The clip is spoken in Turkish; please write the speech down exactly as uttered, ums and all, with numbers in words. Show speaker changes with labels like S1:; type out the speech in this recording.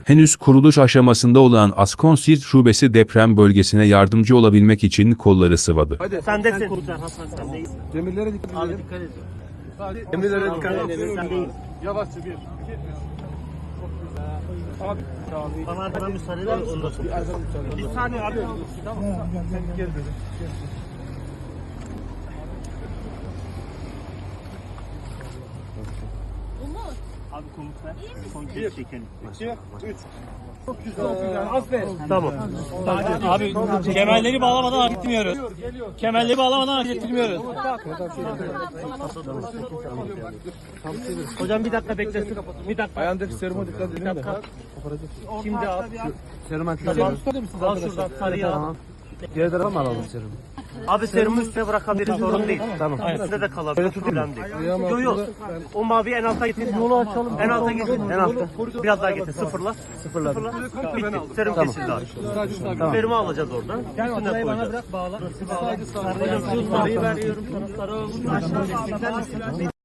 S1: Henüz kuruluş aşamasında olan Askonsirt Şubesi deprem bölgesine yardımcı olabilmek için kolları sıvadı.
S2: Hadi.
S3: Sendesin. Hasan sen değil.
S2: Demirlere dikkat
S3: Abi
S2: edelim.
S3: dikkat et.
S2: Demirlere dikkat edelim.
S3: Sen değil.
S2: Yavaşça bir. iki. Abi.
S3: Bana bana müsaade eder ondan sonra. Bir saniye abi. Tamam.
S2: Sen gel dedim.
S3: Abi komut ver. Son kez çekelim.
S2: İki, üç. Çok güzel. Aferin.
S3: Tamam.
S4: Abi kemerleri bağlamadan hareket etmiyoruz. Kemerleri bağlamadan hareket etmiyoruz.
S3: Hocam bir dakika beklesin. Bir dakika.
S2: Ayağındaki seruma dikkat edin de.
S3: Şimdi al.
S2: Seruma
S3: Tamam. Al şuradan sarıyı al.
S2: Diğer tarafa mı alalım serumu?
S3: Abi serumu üstüne bırakabiliriz sorun değil. Tamam. Üstüne de kalabilir. Problem değil. Yok yok. O mavi en alta getir. Yolu açalım. En alta getir. En alta. Biraz daha getir. Sıfırla. Sıfırla. Bitti. Serum kesildi abi. Serumu alacağız oradan. Üstüne koyacağız.
S4: Bırak bağla.
S3: Sarıyı veriyorum sana. Sarı.